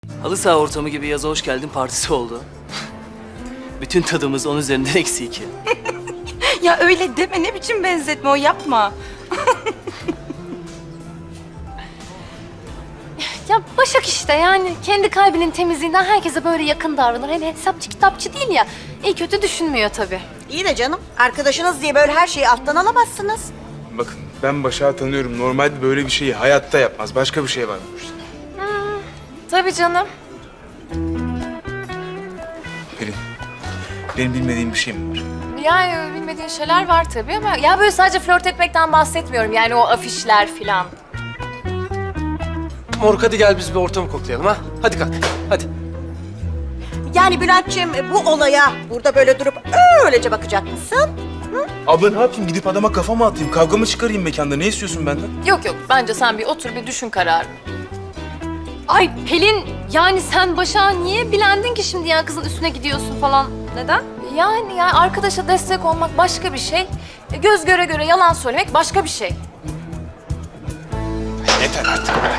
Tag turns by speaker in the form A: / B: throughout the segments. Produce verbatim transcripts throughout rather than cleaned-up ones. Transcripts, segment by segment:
A: Halı saha ortamı gibi yaza hoş geldin partisi oldu. Bütün tadımız onun üzerinden eksi iki.
B: Ya öyle deme, ne biçim benzetme o, yapma.
C: Ya Başak işte yani kendi kalbinin temizliğinden herkese böyle yakın davranır. Hele hesapçı kitapçı değil ya. İyi kötü düşünmüyor tabii.
D: İyi de canım, arkadaşınız diye böyle her şeyi alttan alamazsınız.
E: Bakın ben Başak'ı tanıyorum. Normalde böyle bir şeyi hayatta yapmaz. Başka bir şey var bu işte.
C: Tabii canım.
E: Pelin, benim bilmediğim bir şey mi var?
C: Yani bilmediğin şeyler var tabii ama ya böyle sadece flört etmekten bahsetmiyorum. Yani o afişler filan.
F: Moruk hadi gel biz bir ortamı koklayalım ha. Hadi kalk, hadi.
D: Yani Bülent'ciğim bu olaya burada böyle durup öylece bakacak mısın?
E: Abla ne yapayım? Gidip adama kafa mı atayım? Kavga mı çıkarayım mekanda? Ne istiyorsun benden?
C: Yok yok bence sen bir otur bir düşün kararını. Ay Pelin yani sen Başak'a niye bilendin ki şimdi ya kızın üstüne gidiyorsun falan? Neden? Yani ya arkadaşa destek olmak başka bir şey. E, Göz göre göre yalan söylemek başka bir şey.
E: Yeter artık be.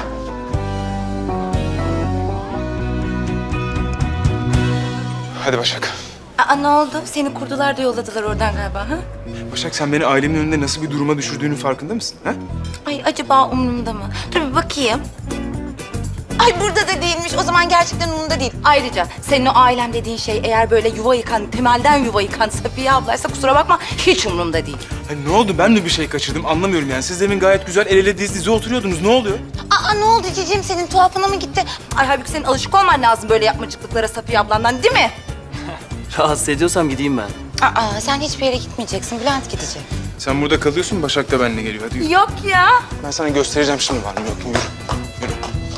E: Hadi Başak.
B: Aa, ne oldu? Seni kurdular da yolladılar oradan galiba, ha?
E: Başak sen beni ailemin önünde nasıl bir duruma düşürdüğünün farkında mısın? Ha?
B: Ay acaba umurumda mı? Dur bir bakayım. Ay burada da değilmiş. O zaman gerçekten umurumda değil. Ayrıca senin o ailem dediğin şey eğer böyle yuva yıkan, temelden yuva yıkan Safiye ablaysa kusura bakma hiç umurumda değil.
E: Ay, ne oldu? Ben mi bir şey kaçırdım? Anlamıyorum yani. Siz demin gayet güzel el ele diz dize oturuyordunuz. Ne oluyor?
B: Aa ne oldu cicim, senin tuhafına mı gitti? Ay halbuki senin alışık olman lazım böyle yapmacıklıklara Safiye ablandan, değil mi?
A: Rahatsız ediyorsam gideyim ben.
B: Aa sen hiçbir yere gitmeyeceksin. Bülent gidecek.
E: Sen burada kalıyorsun, Başak da benimle geliyor. Hadi yürü.
B: Yok ya.
E: Ben sana göstereceğim şimdi var mı yok mu? Yürü. Yürü.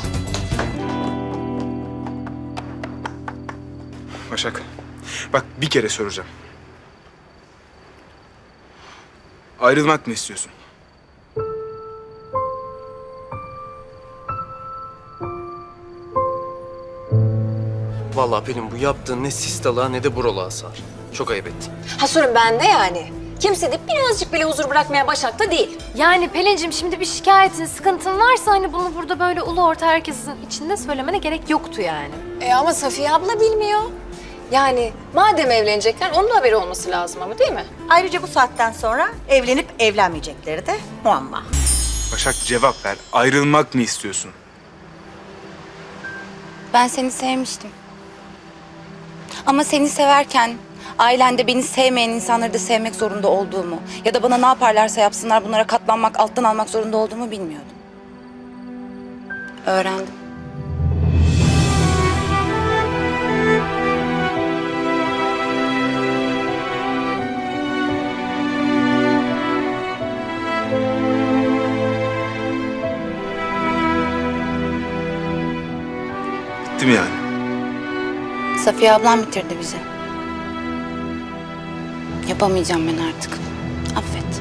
E: Başak, bak bir kere soracağım. Ayrılmak mı istiyorsun?
F: Vallahi Pelin bu yaptığın ne sistalığa ne de buralığa sar. Çok ayıp ettin.
G: Ha sorun bende yani. Kimse de birazcık bile huzur bırakmaya Başak'ta değil.
C: Yani Pelin'cim şimdi bir şikayetin, sıkıntın varsa hani bunu burada böyle ulu orta herkesin içinde söylemene gerek yoktu yani.
G: E ama Safiye abla bilmiyor. Yani madem evlenecekler onun da haberi olması lazım ama değil mi?
D: Ayrıca bu saatten sonra evlenip evlenmeyecekleri de muamma.
E: Başak cevap ver. Ayrılmak mı istiyorsun?
B: Ben seni sevmiştim. Ama seni severken ailende beni sevmeyen insanları da sevmek zorunda olduğumu ya da bana ne yaparlarsa yapsınlar bunlara katlanmak, alttan almak zorunda olduğumu bilmiyordum. Öğrendim.
E: Bitti mi yani?
B: Safiye ablam bitirdi bizi. Yapamayacağım ben artık. Affet.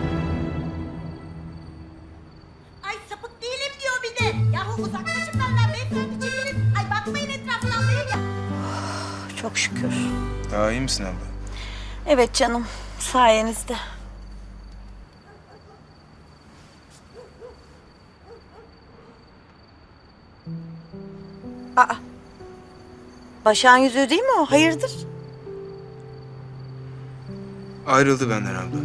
D: Ay sapık değilim diyor bir de. Yahu uzaklaşın benden beyefendi, çekilin. Ay bakmayın etrafından böyle ya. Çok şükür.
E: Daha iyi misin abla?
D: Evet canım, sayenizde. Aa. Başak'ın yüzüğü değil mi o? Hayırdır?
E: Ayrıldı benden abla.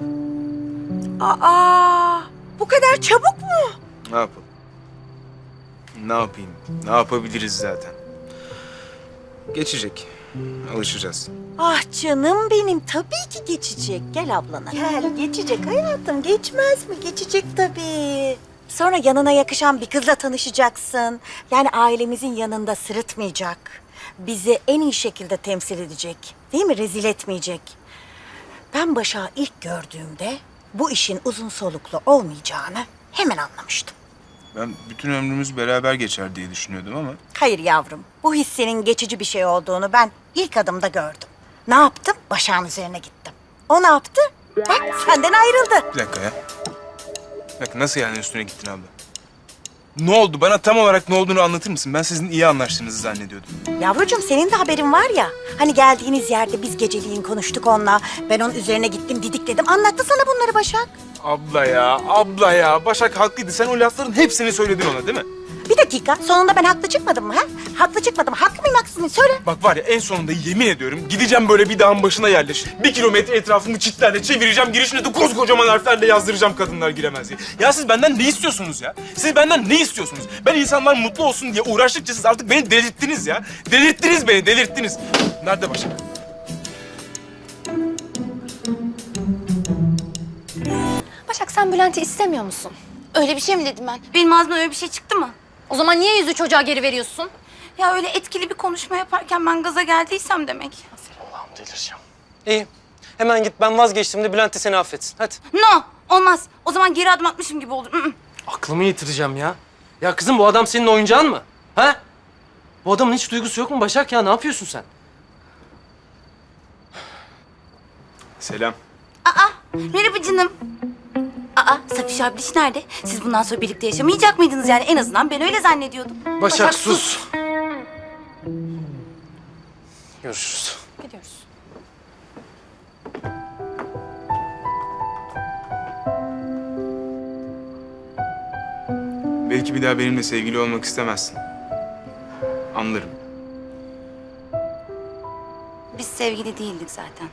D: Aa, bu kadar çabuk mu?
E: Ne yapalım? Ne yapayım? Ne yapabiliriz zaten? Geçecek. Alışacağız.
D: Ah canım benim, tabii ki geçecek. Gel ablana. Gel, geçecek hayatım. Geçmez mi? Geçecek tabii. Sonra yanına yakışan bir kızla tanışacaksın. Yani ailemizin yanında sırıtmayacak. Bizi en iyi şekilde temsil edecek. Değil mi? Rezil etmeyecek. Ben Başak'ı ilk gördüğümde bu işin uzun soluklu olmayacağını hemen anlamıştım.
E: Ben bütün ömrümüz beraber geçer diye düşünüyordum ama...
D: Hayır yavrum, bu hissinin geçici bir şey olduğunu ben ilk adımda gördüm. Ne yaptım? Başak'ın üzerine gittim. O ne yaptı? Bak senden ayrıldı.
E: Bir dakika ya. Bir dakika, nasıl yani üstüne gittin abla? Ne oldu? Bana tam olarak ne olduğunu anlatır mısın? Ben sizin iyi anlaştığınızı zannediyordum.
D: Yavrucuğum senin de haberin var ya. Hani geldiğiniz yerde biz geceliğin konuştuk onunla. Ben onun üzerine gittim, didikledim. Anlattı sana bunları Başak.
E: Abla ya, abla ya. Başak haklıydı. Sen o lafların hepsini söyledin ona değil mi?
D: Bir dakika, sonunda ben haklı çıkmadım mı ha? Haklı çıkmadım. Haklı mıyım, haksız mıyım? Söyle.
E: Bak var ya en sonunda yemin ediyorum gideceğim böyle bir dağın başına yerleşip bir kilometre etrafını çitlerle çevireceğim. Girişine de koskocaman harflerle yazdıracağım kadınlar giremez diye. Ya siz benden ne istiyorsunuz ya? Siz benden ne istiyorsunuz? Ben insanlar mutlu olsun diye uğraştıkça siz artık beni delirttiniz ya. Delirttiniz beni, delirttiniz. Nerede Başak?
C: Başak sen Bülent'i istemiyor musun?
B: Öyle bir şey mi dedim ben? Benim ağzımdan öyle bir şey çıktı mı?
C: O zaman niye yüzü çocuğa geri veriyorsun?
B: Ya öyle etkili bir konuşma yaparken ben gaza geldiysem demek.
F: Allah'ım delireceğim. İyi. Hemen git ben vazgeçtim de Bülent de seni affetsin. Hadi.
B: No, olmaz. O zaman geri adım atmışım gibi olur. Mm-mm.
F: Aklımı yitireceğim ya. Ya kızım bu adam senin oyuncağın mı? Ha? Bu adamın hiç duygusu yok mu Başak ya? Ne yapıyorsun sen?
E: Selam.
B: Aa, merhaba canım. Aa, Safiş abiş nerede? Siz bundan sonra birlikte yaşamayacak mıydınız yani? En azından ben öyle zannediyordum.
F: Başak, sus. Görüşürüz.
C: Gidiyoruz.
E: Belki bir daha benimle sevgili olmak istemezsin. Anlarım.
B: Biz sevgili değildik zaten.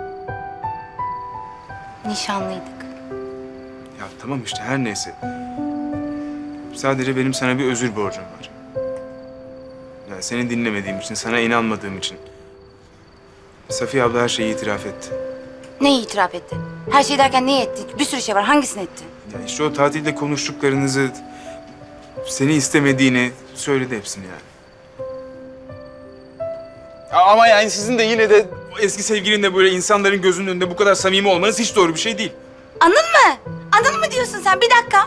B: Nişanlıydık.
E: Ya tamam işte her neyse. Sadece benim sana bir özür borcum var. Yani seni dinlemediğim için, sana inanmadığım için. Safiye abla her şeyi itiraf etti.
B: Neyi itiraf etti? Her şey derken neyi etti? Bir sürü şey var. Hangisini etti?
E: Ya işte o tatilde konuştuklarınızı, seni istemediğini söyledi hepsini yani. Ya ama yani sizin de yine de o eski sevgilinle böyle insanların gözünün önünde bu kadar samimi olmanız hiç doğru bir şey değil.
B: Anın mı? Anın mı diyorsun sen? Bir dakika.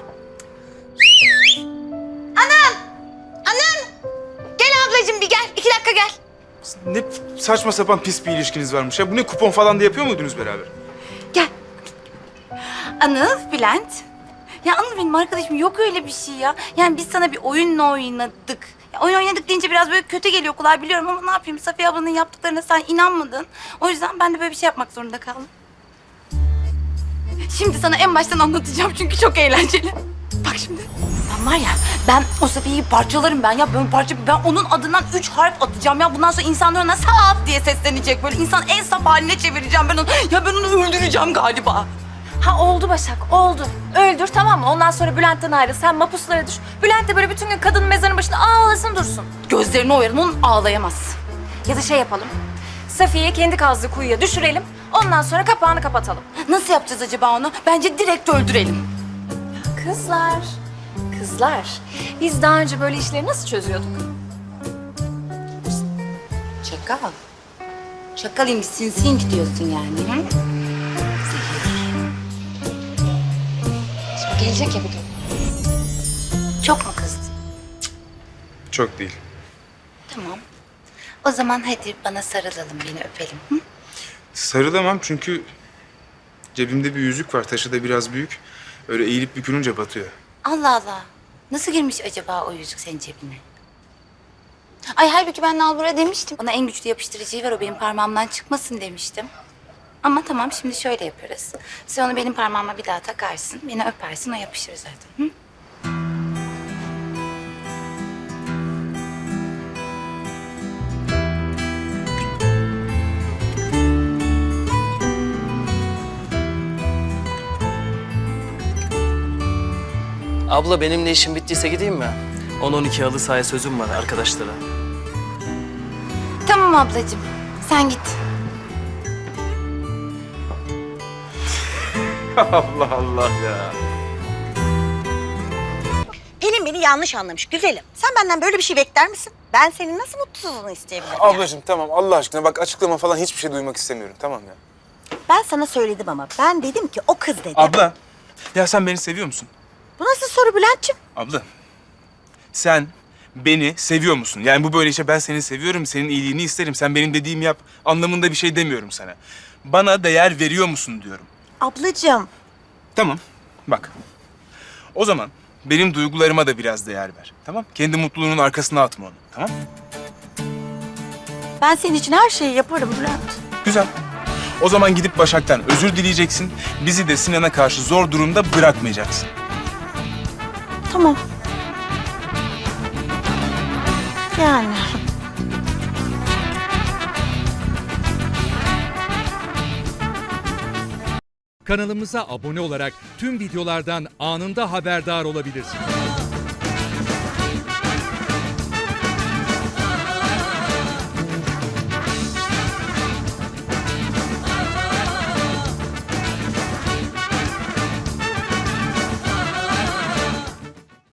B: Anın! Anın! Gel ablacığım bir gel. İki dakika gel.
E: Ne saçma sapan pis bir ilişkiniz varmış ya. Bu ne kupon falan da yapıyor muydunuz beraber?
B: Gel. Anıl, Bülent. Ya Anıl benim arkadaşım, yok öyle bir şey ya. Yani biz sana bir oyunla oynadık. Ya oyun oynadık deyince biraz böyle kötü geliyor kulağa biliyorum ama ne yapayım? Safiye ablanın yaptıklarına sen inanmadın. O yüzden ben de böyle bir şey yapmak zorunda kaldım. Şimdi sana en baştan anlatacağım çünkü çok eğlenceli. Bak şimdi. Ben var ya, ben o Safiye'yi parçalarım ben ya. Ben parça, ben onun adından üç harf atacağım ya. Bundan sonra insanlar ona saf diye seslenecek. Böyle insan en saf haline çevireceğim ben onu. Ya ben onu öldüreceğim galiba.
C: Ha oldu Başak, oldu. Öldür tamam mı? Ondan sonra Bülent'ten ayrıl. Sen mapuslara düş. Bülent de böyle bütün gün kadının mezarının başında ağlasın dursun.
B: Gözlerini oyarım, onun ağlayamaz.
C: Ya da şey yapalım. Safiye'yi kendi kazdığı kuyuya düşürelim. Ondan sonra kapağını kapatalım.
B: Nasıl yapacağız acaba onu? Bence direkt öldürelim.
C: Kızlar, kızlar. Biz daha önce böyle işleri nasıl çözüyorduk?
B: Çakal. Çakalayım, sinsin gidiyorsun yani. Hı?
C: Şimdi gelecek ya bir gün.
B: Çok mu kızdın?
E: Çok değil.
B: Tamam. O zaman hadi bana sarılalım, beni öpelim. Hı?
E: Sarılamam çünkü cebimde bir yüzük var. Taşı da biraz büyük. Öyle eğilip bükülünce batıyor.
B: Allah Allah. Nasıl girmiş acaba o yüzük senin cebine? Ay halbuki ben Nalbur'a demiştim. Ona en güçlü yapıştırıcıyı ver, o benim parmağımdan çıkmasın demiştim. Ama tamam, şimdi şöyle yaparız. Sen onu benim parmağıma bir daha takarsın, beni öpersin, o yapışır zaten. Hı?
A: Abla benimle işim bittiyse gideyim mi? on on iki halı sahaya sözüm var arkadaşlara.
B: Tamam ablacığım, sen git.
E: Allah Allah ya.
D: Pelin beni yanlış anlamış güzelim. Sen benden böyle bir şey bekler misin? Ben senin nasıl mutsuzluğunu isteyebilirim? ya?
E: Ablacığım tamam Allah aşkına bak açıklama falan hiçbir şey duymak istemiyorum tamam ya.
D: Ben sana söyledim ama ben dedim ki o kız dedim.
E: Abla ya sen beni seviyor musun?
D: Bu nasıl soru Bülent'ciğim?
E: Abla sen beni seviyor musun? Yani bu böyle işte ben seni seviyorum, senin iyiliğini isterim, sen benim dediğimi yap anlamında bir şey demiyorum sana. Bana değer veriyor musun diyorum.
D: Ablacığım.
E: Tamam bak o zaman benim duygularıma da biraz değer ver tamam? Kendi mutluluğunun arkasına atma onu tamam?
D: Ben senin için her şeyi yaparım Bülent.
E: Güzel. O zaman gidip Başak'tan özür dileyeceksin. Bizi de Sinan'a karşı zor durumda bırakmayacaksın.
D: Tamam. Yani.
H: Kanalımıza abone olarak tüm videolardan anında haberdar olabilirsiniz.